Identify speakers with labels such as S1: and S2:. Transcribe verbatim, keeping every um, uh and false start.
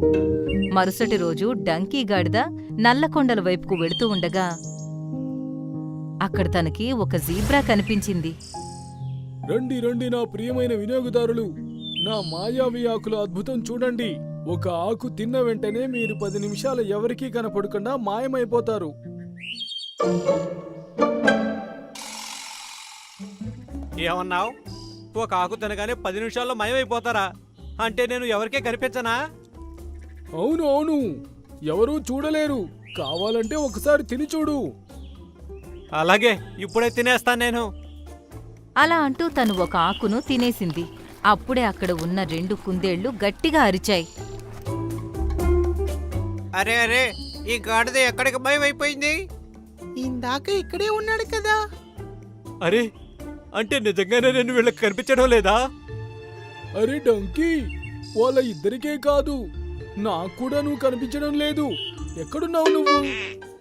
S1: మరుసటి రోజు డంకీ గాడిద నల్లకొండల వైపుకు వెళుతూ ఉండగా అక్కడ తనకి ఒక జీబ్రా కనిపించింది.
S2: రండి రండి నా ప్రియమైన వినియోగదారులు, నా మాయావి ఆకుల అద్భుతం చూడండి. ఒక ఆకు తిన్న వెంటనే మీరు పది నిమిషాలు ఎవరికీ కనపడకుండా మాయమైపోతారు.
S3: ఏమన్నావు? ఒక ఆకు తినగానే పది నిమిషాల్లో మయమైపోతారా? అంటే నేను ఎవరికే కనిపించనా?
S2: అవును అవును, ఎవరూ చూడలేరు. కావాలంటే ఒకసారి తిని చూడు.
S3: అలాగే, ఇప్పుడే తినేస్తాను నేను.
S1: అలా అంటూ తను ఒక ఆకును తినేసింది. అప్పుడే అక్కడ ఉన్న రెండు కుందేళ్లు గట్టిగా అరిచాయి.
S3: అరే అరే, ఈ గాడిద ఎక్కడికి భయమైపోయింది?
S4: ఇందాక ఇక్కడే ఉన్నాడు కదా.
S3: అరే, అంటే నిజంగానే నేను వీళ్ళకి కనిపించడం లేదా?
S2: అరే డంకీ, వాళ్ళ ఇద్దరికే కాదు, నాకు కూడా నువ్వు కనిపించడం లేదు. ఎక్కడున్నావు నువ్వు?